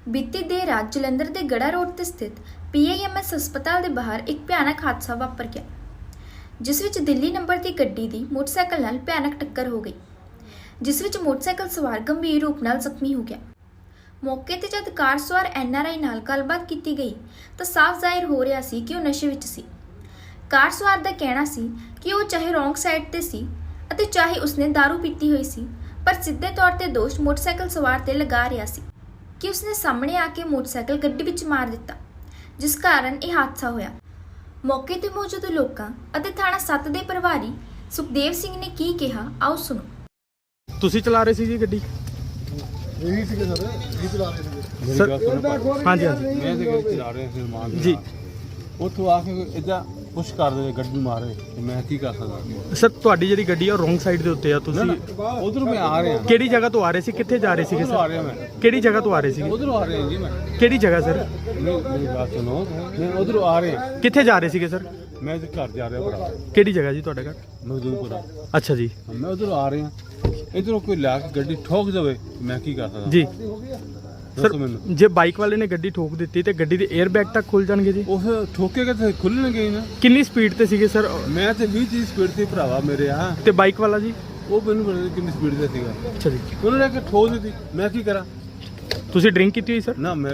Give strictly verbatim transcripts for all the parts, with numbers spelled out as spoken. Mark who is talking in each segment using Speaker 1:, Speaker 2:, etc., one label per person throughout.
Speaker 1: ਬੀਤੀ ਦੇਰ ਰਾਤ ਜਲੰਧਰ ਦੇ ਗੜਾ ਰੋਡ ਤੇ ਸਥਿਤ ਪੀ ਆਈ ਐਮ ਐਸ ਹਸਪਤਾਲ ਦੇ ਬਾਹਰ ਇੱਕ ਭਿਆਨਕ ਹਾਦਸਾ ਵਾਪਰ ਗਿਆ, ਜਿਸ ਵਿੱਚ ਦਿੱਲੀ ਨੰਬਰ ਦੀ ਗੱਡੀ ਦੀ ਮੋਟਰਸਾਈਕਲ ਨਾਲ ਭਿਆਨਕ ਟੱਕਰ ਹੋ ਗਈ, ਜਿਸ ਵਿੱਚ ਮੋਟਰਸਾਈਕਲ ਸਵਾਰ ਗੰਭੀਰ ਰੂਪ ਨਾਲ ਜ਼ਖਮੀ ਹੋ ਗਿਆ। ਮੌਕੇ ਤੇ ਜਦ ਕਾਰ ਸਵਾਰ ਐਨ ਆਰ ਆਈ ਨਾਲ ਗੱਲਬਾਤ ਕੀਤੀ ਗਈ ਤਾਂ ਸਾਫ਼ ਜ਼ਾਹਿਰ ਹੋ ਰਿਹਾ ਸੀ ਕਿ ਉਹ ਨਸ਼ੇ ਵਿੱਚ ਸੀ। ਕਾਰ ਸਵਾਰ ਦਾ ਕਹਿਣਾ ਸੀ ਕਿ ਉਹ ਚਾਹੇ ਰੋਂਗ ਸਾਈਡ ਤੇ ਸੀ ਅਤੇ ਚਾਹੇ ਉਸਨੇ ਦਾਰੂ ਪੀਤੀ ਹੋਈ ਸੀ, ਪਰ ਸਿੱਧੇ ਤੌਰ ਤੇ ਦੋਸ਼ ਮੋਟਰਸਾਈਕਲ ਸਵਾਰ ਤੇ ਲਗਾ ਰਿਹਾ ਸੀ ਕਿ ਉਸਨੇ ਸਾਹਮਣੇ ਆ ਕੇ ਮੋਟਰਸਾਈਕਲ ਗੱਡੀ ਵਿੱਚ ਮਾਰ ਦਿੱਤਾ, ਜਿਸ ਕਾਰਨ ਇਹ ਹਾਦਸਾ ਹੋਇਆ। ਮੌਕੇ ਤੇ ਮੌਜੂਦ ਲੋਕਾਂ ਅਤੇ ਥਾਣਾ ਸੱਤ ਦੇ ਪ੍ਰਭਾਰੀ ਸੁਖਦੇਵ ਸਿੰਘ ਨੇ ਕੀ ਕਿਹਾ, ਆਓ ਸੁਣੋ।
Speaker 2: ਤੁਸੀਂ ਚਲਾ ਰਹੇ ਸੀ ਜੀ ਗੱਡੀ?
Speaker 3: ਇਹੀ ਸੀਗੇ ਸਰ, ਇਹੀ ਚਲਾ ਰਹੇ ਸੀਗੇ
Speaker 2: ਸਰ ਹਾਂਜੀ ਹਾਂਜੀ
Speaker 3: ਮੈਂ ਤੇ ਗੱਡੀ ਚਲਾ ਰਿਹਾ ਸੀ ਮਾਨ
Speaker 2: ਜੀ।
Speaker 3: ਉੱਥੋਂ ਆ ਕੇ ਇਦਾਂ ਪੁਸ਼ ਕਰ ਦੇ ਗੱਡੀ ਮਾਰੇ ਤੇ ਮੈਂ ਕੀ ਕਰ ਸਕਦਾ।
Speaker 2: ਸਰ ਤੁਹਾਡੀ ਜਿਹੜੀ ਗੱਡੀ ਆ ਰੋਂਗ ਸਾਈਡ ਦੇ ਉੱਤੇ ਆ, ਤੁਸੀਂ
Speaker 3: ਉਧਰੋਂ ਮੈਂ ਆ ਰਿਹਾ,
Speaker 2: ਕਿਹੜੀ ਜਗ੍ਹਾ ਤੋਂ ਆ ਰਹੇ ਸੀ, ਕਿੱਥੇ ਜਾ ਰਹੇ ਸੀਗੇ
Speaker 3: ਉਧਰੋਂ ਆ
Speaker 2: ਸਰ?
Speaker 3: ਰਿਹਾ ਮੈਂ,
Speaker 2: ਕਿਹੜੀ ਜਗ੍ਹਾ ਤੋਂ ਆ ਰਹੇ ਸੀਗੇ?
Speaker 3: ਉਧਰੋਂ ਆ ਰਿਹਾ ਜੀ ਮੈਂ।
Speaker 2: ਕਿਹੜੀ ਜਗ੍ਹਾ ਸਰ?
Speaker 3: ਮੇਰੀ ਮੇਰੀ ਬਾਤ ਸੁਣੋ, ਮੈਂ ਉਧਰੋਂ ਆ ਰਿਹਾ,
Speaker 2: ਕਿੱਥੇ ਜਾ ਰਹੇ ਸੀਗੇ ਸਰ?
Speaker 3: ਮੈਂ ਤੇ ਘਰ ਜਾ ਰਿਹਾ ਭਰਾ,
Speaker 2: ਕਿਹੜੀ ਜਗ੍ਹਾ ਜੀ ਤੁਹਾਡਾ ਘਰ?
Speaker 3: ਮਜ਼ਦੂਰਪੁਰਾ।
Speaker 2: ਅੱਛਾ ਜੀ
Speaker 3: ਮੈਂ ਉਧਰੋਂ ਆ ਰਿਹਾ, ਇਧਰੋਂ ਕੋਈ ਲਾ ਕੇ ਗੱਡੀ ਠੋਕ ਜਾਵੇ, ਮੈਂ ਕੀ ਕਰ ਸਕਦਾ
Speaker 2: ਜੀ। ਸਰ
Speaker 3: ਦੱਸੋ ਮੈਨੂੰ।
Speaker 2: ਜੇ ਬਾਈਕ ਵਾਲੇ ਨੇ ਗੱਡੀ ਠੋਕ ਦਿੱਤੀ ਤੇ ਗੱਡੀ ਦੇ 에ਅਰ ਬੈਗ ਤੱਕ ਖੁੱਲ ਜਾਣਗੇ ਜੀ?
Speaker 3: ਉਹ ਠੋਕੇਗਾ ਤੇ ਖੁੱਲਣਗੇ ਹੀ ਨਾ।
Speaker 2: ਕਿੰਨੀ ਸਪੀਡ ਤੇ ਸੀਗੇ ਸਰ?
Speaker 3: ਮੈਂ ਤੇ ਵੀਹ ਤੀਹ ਸਪੀਡ ਤੇ ਭਰਾਵਾ ਮੇਰੇ ਆ,
Speaker 2: ਤੇ ਬਾਈਕ ਵਾਲਾ ਜੀ?
Speaker 3: ਉਹ ਮੈਨੂੰ ਪਤਾ ਨੀ ਕਿੰਨੀ ਸਪੀਡ ਤੇ ਸੀਗਾ।
Speaker 2: ਅੱਛਾ ਜੀ,
Speaker 3: ਉਹਨਾਂ ਨੇ ਕਿ ਠੋਕ ਦਿੱਤੀ, ਮੈਂ ਕੀ ਕਰਾਂ?
Speaker 2: ਤੁਸੀਂ ਡਰਿੰਕ ਕੀਤੀ ਹੋਈ ਸਰ?
Speaker 3: ਨਾ ਮੈਂ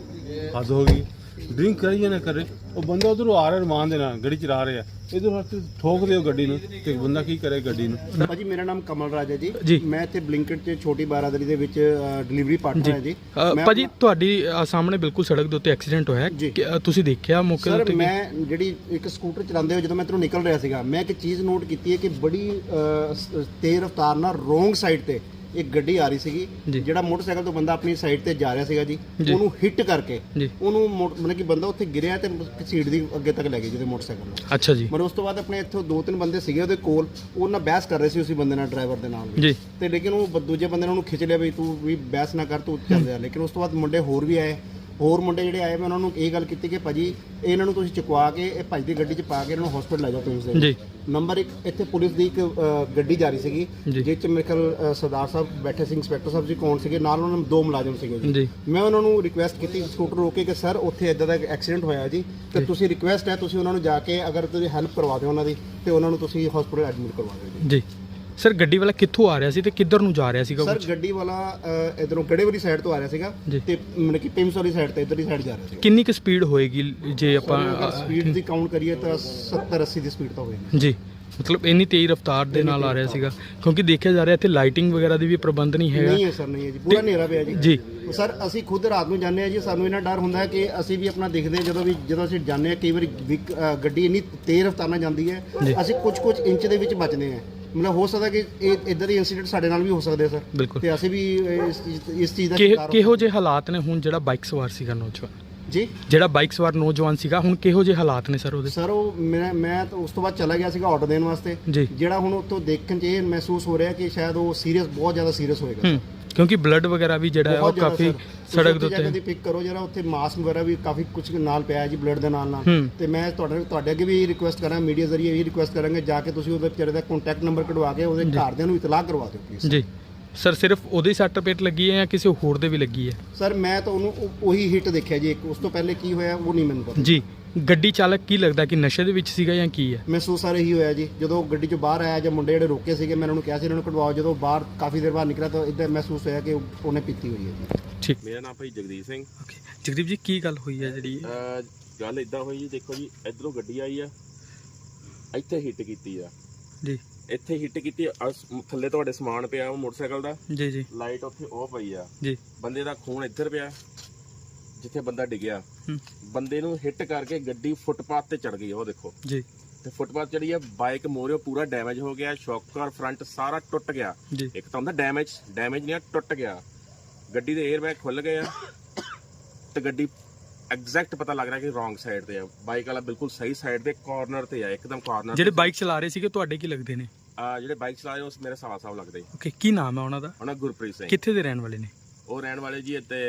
Speaker 3: ਹੱਦ ਹੋ ਗਈ, ਡਰਿੰਕ ਕਰੀ ਜਾਂ ਨਾ ਕਰੇ। ਉਹ ਬੰਦਾ ਉਧਰੋਂ ਆ ਰਿਹਾ ਰਮਾਨ ਦੇ ਨਾਲ ਗੱਡੀ ਚਲਾ ਰਿਹਾ, ਇਧਰ ਹੱਥ ਠੋਕ ਦਿਓ ਗੱਡੀ ਨੂੰ ਤੇ ਬੰਦਾ ਕੀ ਕਰੇ ਗੱਡੀ ਨੂੰ।
Speaker 4: ਭਾਜੀ ਮੇਰਾ ਨਾਮ ਕਮਲ ਰਾਜ ਹੈ
Speaker 2: ਜੀ।
Speaker 4: ਜੀ, ਮੈਂ ਇੱਥੇ ਬਲਿੰਕਟ 'ਚ ਛੋਟੀ ਬਾਰਾਦਰੀ ਦੇ ਵਿੱਚ ਡਿਲੀਵਰੀ ਪਾਰਟਨਰ ਹੈ ਜੀ।
Speaker 2: ਅ,
Speaker 4: ਮੈਂ
Speaker 2: ਭਾਜੀ
Speaker 4: ਆਪਣਾ-
Speaker 2: ਤੁਹਾਡੀ ਅ, ਸਾਹਮਣੇ ਬਿਲਕੁਲ ਸੜਕ ਦੇ ਉੱਤੇ ਐਕਸੀਡੈਂਟ ਹੋਇਆ
Speaker 4: ਜੀ।
Speaker 2: ਕਿ, ਅ, ਤੁਸੀਂ ਦੇਖਿਆ ਮੌਕੇ ਦੇ
Speaker 4: ਸਰ
Speaker 2: ਉੱਤੇ?
Speaker 4: ਮੈਂ ਜਿਹੜੀ ਇੱਕ ਸਕੂਟਰ ਚਲਾਉਂਦੇ ਹੋਏ ਜਦੋਂ ਮੈਂ ਇੱਧਰੋਂ ਨਿਕਲ ਰਿਹਾ ਸੀਗਾ, ਮੈਂ ਇੱਕ ਚੀਜ਼ ਨੋਟ ਕੀਤੀ ਹੈ ਕਿ ਬੜੀ ਅ, ਸ- ਤੇਜ਼ ਰਫ਼ਤਾਰ ਨਾਲ ਰੋਂਗ ਸਾਈਡ ਤੇ ਇੱਕ ਗੱਡੀ ਆ ਰਹੀ ਸੀਗੀ।
Speaker 2: ਜੀ।
Speaker 4: ਜਿਹੜਾ ਮੋਟਰਸਾਈਕਲ ਤੋਂ ਬੰਦਾ ਆਪਣੀ ਸਾਈਡ ਤੇ ਜਾ ਰਿਹਾ ਸੀਗਾ ਜੀ,
Speaker 2: ਜੀ।
Speaker 4: ਉਹਨੂੰ ਹਿੱਟ ਕਰਕੇ
Speaker 2: ਜੀ।
Speaker 4: ਉਹਨੂੰ ਮੋਟ- ਮਤਲਬ ਕਿ ਬੰਦਾ ਉੱਥੇ ਗਿਰਿਆ ਤੇ ਸੀਟ ਦੀ ਅੱਗੇ ਤੱਕ ਲੈ ਗਈ ਜਿਹਦੇ ਮੋਟਰਸਾਈਕਲ ਨੂੰ।
Speaker 2: ਅੱਛਾ ਜੀ
Speaker 4: ਮਤਲਬ ਉਸ ਤੋਂ ਬਾਅਦ ਆਪਣੇ ਇੱਥੋਂ ਦੋ ਤਿੰਨ ਬੰਦੇ ਸੀਗੇ ਉਹਦੇ ਕੋਲ, ਉਹ ਨਾਲ ਬਹਿਸ ਕਰ ਰਹੇ ਸੀ ਉਸੇ ਬੰਦੇ ਨਾਲ, ਡਰਾਈਵਰ ਦੇ ਨਾਲ ਵੀ।
Speaker 2: ਜੀ
Speaker 4: ਤੇ ਲੇਕਿਨ ਉਹ ਬ- ਦੂਜੇ ਬੰਦੇ ਨੇ ਉਹਨੂੰ ਖਿੱਚ ਲਿਆ ਵੀ ਤੂੰ ਵੀ ਬਹਿਸ ਨਾ ਕਰ, ਤੂੰ ਚੱਲ ਜਾ। ਲੇਕਿਨ ਉਸ ਤੋਂ ਬਾਅਦ ਮੁੰਡੇ ਹੋਰ ਵੀ ਆਏ, ਹੋਰ ਮੁੰਡੇ ਜਿਹੜੇ ਆਏ, ਮੈਂ ਉਹਨਾਂ ਨੂੰ ਇਹ ਗੱਲ ਕੀਤੀ ਕਿ ਭਾਜੀ ਇਹਨਾਂ ਨੂੰ ਤੁਸੀਂ ਚੁਕਵਾ ਕੇ ਇਹ ਭਾਜੀ ਦੀ ਗੱਡੀ 'ਚ ਪਾ ਕੇ ਇਹਨਾਂ ਨੂੰ ਹਸਪੀਟਲ ਲੈ ਜਾਓ ਤੁਸੀਂ।
Speaker 2: ਜੀ
Speaker 4: ਨੰਬਰ ਇੱਕ ਇੱਥੇ ਪੁਲਿਸ ਦੀ ਇੱਕ ਅ, ਗੱਡੀ ਜਾ ਰਹੀ ਸੀਗੀ,
Speaker 2: ਜੀ।
Speaker 4: ਜਿਸ 'ਚ ਮੇਰੇ ਖਿਆਲ ਅ, ਸਰਦਾਰ ਸਾਹਿਬ ਬੈਠੇ ਸੀ, ਇੰਸਪੈਕਟਰ ਸਾਹਿਬ ਜੀ ਕੌਣ ਸੀਗੇ, ਨਾਲ ਉਹਨਾਂ ਨੂੰ ਦੋ ਮੁਲਾਜ਼ਮ ਸੀਗੇ ਜੀ।
Speaker 2: ਜੀ
Speaker 4: ਮੈਂ ਉਹਨਾਂ ਨੂੰ ਰਿਕੁਐਸਟ ਕੀਤੀ ਸਕੂਟਰ ਰੋਕ ਕੇ ਕਿ ਸਰ ਉੱਥੇ ਇਦਾਂ ਦਾ ਐਕਸੀਡੈਂਟ ਹੋਇਆ ਜੀ, ਤੇ ਤੁਸੀਂ ਰਿਕੁਐਸਟ ਹੈ ਤੁਸੀਂ ਉਹਨਾਂ ਨੂੰ ਜਾ ਕੇ ਅਗਰ ਤੁਸੀਂ ਹੈਲਪ ਕਰਵਾ ਦਿਓ ਉਹਨਾਂ ਦੀ, ਤੇ ਉਹਨਾਂ ਨੂੰ ਤੁਸੀਂ ਹਸਪੀਟਲ ਐਡਮਿਟ ਕਰਵਾ ਦਿਓ ਜੀ।
Speaker 2: ਜੀ ਸਰ ਗੱਡੀ ਵਾਲਾ ਕਿੱਥੋਂ ਆ ਰਿਹਾ ਸੀ ਤੇ ਕਿੱਧਰ ਨੂੰ ਜਾ ਰਿਹਾ ਸੀਗਾ?
Speaker 4: ਸਰ
Speaker 2: ਕੁਛ
Speaker 4: ਗੱਡੀ ਵਾਲਾ ਇਧਰੋਂ ਗੜੇ ਵਾਲੀ ਸਾਈਡ ਤੋਂ ਆ ਰਿਹਾ ਸੀਗਾ
Speaker 2: ਜੀ।
Speaker 4: ਤੇ ਮਤਲਬ ਕਿ ਪਿੰਸ ਵਾਲੀ ਸਾਈਡ ਤੇ ਇਧਰਲੀ ਸਾਈਡ ਜਾ ਰਿਹਾ ਸੀਗਾ।
Speaker 2: ਕਿੰਨੀ ਕੁ ਸਪੀਡ ਹੋਏਗੀ ਜੇ ਆਪਾਂ?
Speaker 4: ਸਪੀਡ ਦੀ ਕਾਊਂਟ ਕਰੀਏ ਤਾਂ ਸੱਤਰ ਅੱਸੀ ਦੀ ਸਪੀਡ ਤਾਂ ਹੋਏਗੀ
Speaker 2: ਜੀ ਮਤਲਬ ਇੰਨੀ ਤੇਜ਼ ਰਫ਼ਤਾਰ ਦੇ ਨਾਲ ਆ ਰਿਹਾ ਸੀਗਾ, ਕਿਉਂਕਿ ਦੇਖਿਆ ਜਾ ਰਿਹਾ ਇੱਥੇ ਲਾਈਟਿੰਗ ਵਗੈਰਾ ਦੀ ਵੀ ਪ੍ਰਬੰਧ ਨਹੀਂ ਹੈਗਾ।
Speaker 4: ਨਹੀਂ ਹੈ ਸਰ, ਨਹੀਂ ਹੈ ਜੀ, ਪੂਰਾ ਹਨੇਰਾ ਪਿਆ ਜੀ।
Speaker 2: ਜੀ
Speaker 4: ਸਰ ਅਸੀਂ ਖੁਦ ਰਾਤ ਨੂੰ ਜਾਂਦੇ ਆ ਜੀ, ਸਾਨੂੰ ਇਹਨਾਂ ਡਰ ਹੁੰਦਾ ਹੈ ਕਿ ਅਸੀਂ ਵੀ ਆਪਣਾ ਦੇਖਦੇ ਹਾਂ ਜਦੋਂ ਵੀ ਜਦੋਂ ਅਸੀਂ ਜਾਂਦੇ ਆ, ਕਈ ਵਾਰੀ ਵਿਕ- ਅ, ਗੱਡੀ ਇੰਨੀ ਤੇਜ਼ ਰਫ਼ਤਾਰ ਨਾਲ ਜਾਂਦੀ ਹੈ,
Speaker 2: ਜੀ।
Speaker 4: ਅਸੀਂ ਕੁਝ ਕੁਝ ਇੰਚ ਦੇ ਵਿੱਚ ਬਚਦੇ ਹਾਂ। ਮਤਲਬ ਹੋ ਸਕਦਾ ਕਿ ਇਹ ਇਦਾਂ ਦੇ ਇਨਸੀਡੈਂਟ ਸਾਡੇ ਨਾਲ ਵੀ ਹੋ ਸਕਦੇ ਸਰ,
Speaker 2: ਬਿਲਕੁਲ।
Speaker 4: ਤੇ ਅਸੀਂ ਵੀ ਇਸ ਚੀਜ਼- ਇਸ ਚੀਜ਼ ਦਾ
Speaker 2: ਕਿ-
Speaker 4: ਸ਼ਿਕਾਰ ਹੋ
Speaker 2: ਕਿਹੋ ਜਿਹੇ ਹਾਲਾਤ ਨੇ ਹੁਣ? ਜਿਹੜਾ ਬਾਈਕ ਸਵਾਰ ਸੀਗਾ ਨੌਜਵਾਨ,
Speaker 4: ਜੀ
Speaker 2: ਜਿਹੜਾ ਬਾਈਕ ਸਵਾਰ ਨੌਜਵਾਨ ਸੀਗਾ, ਹੁਣ ਕਿਹੋ ਜਿਹੇ ਹਾਲਾਤ ਨੇ ਸਰ ਉਹਦੇ?
Speaker 4: ਸਰ ਉਹ ਮੈਂ ਮੈਂ ਤਾਂ ਉਸ ਤੋਂ ਬਾਅਦ ਚਲਾ ਗਿਆ ਸੀਗਾ ਆਰਡਰ ਦੇਣ ਵਾਸਤੇ।
Speaker 2: ਜੀ।
Speaker 4: ਜਿਹੜਾ ਹੁਣ ਉੱਥੋਂ ਦੇਖਣ 'ਚ ਇਹ ਮਹਿਸੂਸ ਹੋ ਰਿਹਾ ਕਿ ਸ਼ਾਇਦ ਉਹ ਸੀਰੀਅਸ, ਬਹੁਤ ਜ਼ਿਆਦਾ ਸੀਰੀਅਸ ਹੋਏਗਾ।
Speaker 2: ਹੂੰ ਕਿਉਂਕਿ ਬਲੱਡ ਵਗੈਰਾ ਵੀ ਜਿਹੜਾ ਹੈ ਉਹ
Speaker 4: ਬਹੁਤ ਜ਼ਿਆਦਾ
Speaker 2: ਕਾਫੀ
Speaker 4: ਸਰ।
Speaker 2: ਸੜਕ ਦੇ
Speaker 4: ਤੁਸੀਂ ਉੱਥੇ ਜਾ ਕੇ
Speaker 2: ਉੱਤੇ।
Speaker 4: ਪਿਕ ਕਰੋ ਜਰਾ, ਉੱਥੇ ਮਾਸਕ ਵਗੈਰਾ ਵੀ ਕਾਫੀ ਕੁਝ ਨਾਲ ਪਿਆ ਹੈ ਜੀ, ਬਲੱਡ ਦੇ ਨਾਲ ਨਾਲ।
Speaker 2: ਹੂੰ।
Speaker 4: ਤੇ ਮੈਂ ਤੁਹਾਡੇ ਤੁਹਾਡੇ ਅੱਗੇ ਵੀ ਰਿਕੁਐਸਟ ਕਰਾਂ, ਮੀਡੀਆ ਜ਼ਰੀਏ ਵੀ ਰਿਕੁਐਸਟ ਕਰਾਂਗੇ, ਜਾ ਕੇ ਤੁਸੀਂ ਉਹਦੇ ਵਿਚਾਰੇ ਦਾ ਕੰਟੈਕਟ ਨੰਬਰ ਕਢਵਾ ਕੇ ਉਹਦੇ ਘਰਦਿਆਂ ਨੂੰ ਇਤਲਾਹ ਕਰਵਾ ਦਿਓ ਪਲੀਜ਼।
Speaker 2: ਜੀ ਸਰ ਸਿਰਫ ਉਹਦੇ ਸੱਟ ਪੇਟ ਲੱਗੀ ਹੈ ਜਾਂ ਕਿਸੇ ਹੋਰ ਦੇ ਵੀ ਲੱਗੀ ਹੈ?
Speaker 4: ਸਰ ਮੈਂ ਤਾਂ ਉਹਨੂੰ ਉਹ- ਉਹੀ ਹਿੱਟ ਦੇਖਿਆ ਜੀ ਇੱਕ, ਉਸ ਤੋਂ ਪਹਿਲੇ ਕੀ ਹੋਇਆ ਉਹ ਨਹੀਂ ਮੈਨੂੰ ਪਤਾ।
Speaker 2: ਜੀ ਗੱਡੀ ਚਾਲਕ ਕੀ ਲੱਗਦਾ ਕਿ ਨਸ਼ੇ ਦੇ ਵਿੱਚ ਸੀਗਾ ਜਾਂ ਕੀ ਹੈ?
Speaker 4: ਮਹਿਸੂਸ ਆ ਰਹੀ ਹੋਇਆ ਜੀ, ਜਦੋਂ ਗੱਡੀ 'ਚੋਂ ਬਾਹਰ ਆਇਆ ਜਾਂ ਮੁੰਡੇ ਜਿਹੜੇ ਰੋਕੇ ਸੀਗੇ, ਮੈਂ ਉਹਨਾਂ ਨੂੰ ਕਿਹਾ ਸੀ ਇਹਨਾਂ ਨੂੰ ਕਢਵਾਓ, ਜਦੋਂ ਬਾਹਰ ਕਾਫੀ ਦੇਰ ਬਾਅਦ ਨਿਕਲਿਆ ਤਾਂ ਇੱਦਾਂ ਮਹਿਸੂਸ ਹੋਇਆ ਕਿ ਉਹ- ਉਹਨੇ ਪੀਤੀ ਹੋਈ ਹੈ ਜੀ।
Speaker 2: ਠੀਕ।
Speaker 5: ਮੇਰਾ ਨਾਮ ਭਾਈ ਜਗਦੀਪ ਸਿੰਘ।
Speaker 2: ਓਕੇ ਜਗਦੀਪ ਜੀ ਕੀ ਗੱਲ ਹੋਈ ਹੈ ਜਿਹੜੀ?
Speaker 5: ਅਹ ਗੱਲ ਇਦਾਂ ਹੋਈ ਜੀ, ਦੇਖੋ ਜੀ ਇਧਰੋਂ ਗੱਡੀ ਆਈ ਆ, ਇੱਥੇ ਹਿੱਟ ਕੀਤੀ ਆ,
Speaker 2: ਜੀ
Speaker 5: ਇੱਥੇ ਹਿੱਟ ਕੀਤੀ ਆ, ਆਹ ਸ- ਥੱਲੇ ਤੁਹਾਡੇ ਸਮਾਨ ਪਿਆ ਉਹ ਮੋਟਰਸਾਈਕਲ ਦਾ,
Speaker 2: ਜੀ ਜੀ
Speaker 5: ਲਾਈਟ ਉੱਥੇ ਉਹ ਪਈ ਆ,
Speaker 2: ਜੀ
Speaker 5: ਬੰਦੇ ਦਾ ਖੂਨ ਇੱਧਰ ਪਿਆ ਜਿੱਥੇ ਬੰਦਾ ਡਿੱਗਿਆ।
Speaker 2: ਹੂੰ,
Speaker 5: ਬੰਦੇ ਨੂੰ ਹਿੱਟ ਕਰਕੇ ਗੱਡੀ ਫੁੱਟਪਾਥ ਤੇ ਚੜ ਗਈ, ਉਹ ਦੇਖੋ
Speaker 2: ਜੀ
Speaker 5: ਤੇ ਫੁੱਟਪਾਥ ਚੜੀ ਆ, ਬਾਈਕ ਮੋਰਿਓ ਪੂਰਾ ਡੈਮੇਜ ਹੋ ਗਿਆ, ਸ਼ੌਕਰ ਫਰੰਟ ਸਾਰਾ ਟੁੱਟ ਗਿਆ।
Speaker 2: ਜੀ
Speaker 5: ਇੱਕ ਤਾਂ ਹੁੰਦਾ ਡੈਮੇਜ, ਡੈਮੇਜ ਨਹੀਂ ਆ, ਟੁੱਟ ਗਿਆ। ਗੱਡੀ ਦੇ 에ਅਰ ਬੈਗ ਖੁੱਲ ਗਏ ਆ ਤੇ ਗੱਡੀ ਐਗਜ਼ੈਕਟ ਪਤਾ ਲੱਗ ਰਿਹਾ ਕਿ ਰੋਂਗ ਸਾਈਡ ਤੇ ਆ, ਬਾਈਕ ਵਾਲਾ ਬਿਲਕੁਲ ਸਹੀ ਸਾਈਡ ਤੇ ਕਾਰਨਰ ਤੇ ਆ, ਇੱਕਦਮ ਕਾਰਨਰ।
Speaker 2: ਜਿਹੜੇ ਬਾਈਕ ਚਲਾ ਰਹੇ ਸੀਗੇ ਤੁਹਾਡੇ ਕੀ ਲੱਗਦੇ ਨੇ?
Speaker 5: ਆ ਜਿਹੜੇ ਬਾਈਕ ਚਲਾ ਰਹੇ ਉਸ ਮੇਰੇ ਸਾਲਾ ਸਾਹਿਬ ਲੱਗਦੇ,
Speaker 2: ਓਕੇ ਕੀ ਨਾਮ ਹੈ ਉਹਨਾਂ ਦਾ?
Speaker 5: ਉਹਨਾਂ ਗੁਰਪ੍ਰੀਤ ਸਿੰਘ।
Speaker 2: ਕਿੱਥੇ ਦੇ ਰਹਿਣ ਵਾਲੇ ਨੇ?
Speaker 5: ਉਹ ਰਹਿਣ ਵਾਲੇ ਜੀ ਇੱਥੇ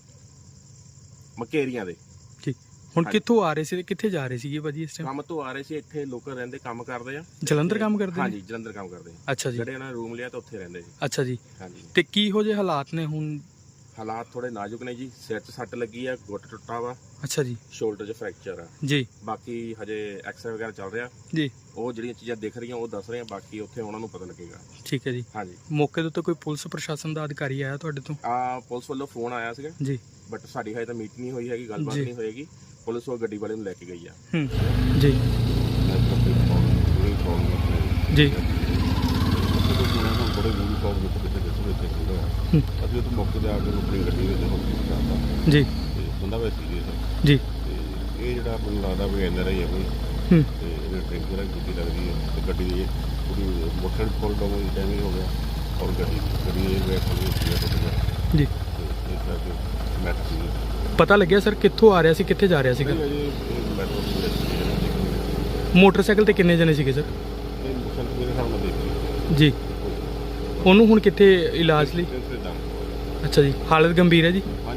Speaker 5: ਮਕੇਰੀਆਂ ਦੇ।
Speaker 2: ਠੀਕ। ਹੁਣ ਕਿੱਥੋਂ ਆ ਰਹੇ ਸੀ ਤੇ ਕਿੱਥੇ ਜਾ ਰਹੇ ਸੀਗੇ ਭਾਜੀ ਇਸ ਟਾਈਮ?
Speaker 5: ਕੰਮ ਤੋਂ ਆ ਰਹੇ ਸੀ, ਇੱਥੇ ਲੋਕਲ ਰਹਿੰਦੇ, ਕੰਮ ਕਰਦੇ ਆ।
Speaker 2: ਜਲੰਧਰ ਕੰਮ ਕਰਦੇ ਨੇ?
Speaker 5: ਹਾਂਜੀ ਜਲੰਧਰ ਕੰਮ ਕਰਦੇ ਆ।
Speaker 2: ਅੱਛਾ ਜੀ
Speaker 5: ਜਿਹੜੇ ਉਹਨਾਂ ਨੇ ਰੂਮ ਲਿਆ ਤਾਂ ਉੱਥੇ ਰਹਿੰਦੇ ਜੀ।
Speaker 2: ਅੱਛਾ ਜੀ
Speaker 5: ਹਾਂਜੀ
Speaker 2: ਤੇ ਕੀ ਹੋ ਜੇ ਹਾਲਾਤ ਨੇ ਹੁਣ?
Speaker 5: ਹਾਲਾਤ ਥੋੜੇ ਨਾਜ਼ੁਕ ਨੇ ਜੀ। ਸਿਰ 'ਚ ਸੱਟ ਲੱਗੀ ਆ, ਗੁੱਟ ਟੁੱਟਾ ਵਾ,
Speaker 2: ਅੱਛਾ ਜੀ
Speaker 5: ਸ਼ੋਲਡਰ 'ਚ ਫ੍ਰੈਕਚਰ ਆ।
Speaker 2: ਜੀ
Speaker 5: ਬਾਕੀ ਹਜੇ ਐਕਸਰੇ ਵਗੈਰਾ ਚੱਲ ਰਿਹਾ,
Speaker 2: ਜੀ
Speaker 5: ਉਹ ਜਿਹੜੀਆਂ ਚੀਜ਼ਾਂ ਦਿਖ ਰਹੀਆਂ ਉਹ ਦੱਸ ਰਹੇ ਆ, ਬਾਕੀ ਉੱਥੇ ਉਹਨਾਂ ਨੂੰ ਪਤਾ ਲੱਗੇਗਾ।
Speaker 2: ਠੀਕ ਹੈ ਜੀ।
Speaker 5: ਹਾਂਜੀ,
Speaker 2: ਮੌਕੇ ਦੇ ਉੱਤੇ ਕੋਈ ਪੁਲਿਸ ਪ੍ਰਸ਼ਾਸਨ ਦਾ ਅਧਿਕਾਰੀ ਆਇਆ ਤੁਹਾਡੇ ਤੋਂ?
Speaker 5: ਆ ਪੁਲਿਸ ਵੱਲੋਂ ਫੋਨ ਆਇਆ ਸੀਗਾ,
Speaker 2: ਜੀ
Speaker 5: ਬਟ ਸਾਡੀ ਹਜੇ ਤਾਂ ਮੀਟ ਨਹੀਂ ਹੋਈ ਹੈਗੀ, ਗੱਲਬਾਤ
Speaker 2: ਜੀ।
Speaker 5: ਨਹੀਂ ਹੋਏਗੀ। ਪੁਲਿਸ ਉਹ ਗੱਡੀ ਵਾਲੇ ਨੂੰ ਲੈ ਕੇ ਗਈ ਆ।
Speaker 2: ਹੂੰ ਜੀ ਜੀ
Speaker 3: ਬੜੇ ਬੁਰੀ ਪ੍ਰੋਬਲਮ ਵਿੱਚ ਕਿਤੇ ਕਿਤੇ ਵਿੱਚ ਖੁੱਲ੍ਹਾ
Speaker 2: ਹੂੰ,
Speaker 3: ਅਸੀਂ ਉਹ ਮੌਕੇ ਤੇ ਆ ਕੇ ਆਪਣੀ ਗੱਡੀ ਵਿੱਚ ਹਸਪੀਟਲ ਜਾਂਦਾ
Speaker 2: ਜੀ
Speaker 3: ਤੇ ਬੰਦਾ ਵੈਸੇ ਸੀਰੀਅਸ
Speaker 2: ਜੀ
Speaker 3: ਤੇ ਇਹ ਜਿਹੜਾ ਮੈਨੂੰ ਲੱਗਦਾ ਵੀ ਐਨ ਆਰ ਆਈ ਹੈ ਕੋਈ,
Speaker 2: ਹੂੰ
Speaker 3: ਤੇ ਇਹਨੇ ਡਰਿੰਕ ਵਗੈਰਾ ਕੀਤੀ ਲੱਗਦੀ ਹੈ ਤੇ ਗੱਡੀ ਦੀ ਪੂਰੀ ਮੋਟਰ ਫੁੱਲ ਡਾਊਨ ਡੈਮੇਜ ਹੋ ਗਿਆ ਔਰ ਗੱਡੀ ਗੱਡੀ ਇਹ ਵੇ ਖੋਲੀ ਹੋਈ ਹੈ ਟੁੱਟ
Speaker 2: ਜੀ।
Speaker 3: ਤੇ ਇਸ ਕਰਕੇ ਮੈਟਰ ਸੀ
Speaker 2: ਪਤਾ ਲੱਗਿਆ ਸਰ ਕਿੱਥੋਂ ਆ ਰਿਹਾ ਸੀ, ਕਿੱਥੇ ਜਾ ਰਿਹਾ ਸੀਗਾ?
Speaker 3: ਅਜੇ ਮੈਟਰ
Speaker 2: ਮੋਟਰਸਾਈਕਲ ਤੇ ਕਿੰਨੇ ਜਣੇ ਸੀਗੇ ਸਰ?
Speaker 3: ਇਹ ਮੁਸਲ ਮੇਰੇ ਹਿਸਾਬ ਨਾਲ ਦੇਖੀ
Speaker 2: ਜੀ ਉਹਨੂੰ ਹੁਣ ਕਿੱਥੇ ਇਲਾਜ ਲਈ?
Speaker 3: ਤੇ
Speaker 2: ਅੱਛਾ ਜੀ, ਹਾਲਤ ਗੰਭੀਰ ਹੈ ਜੀ?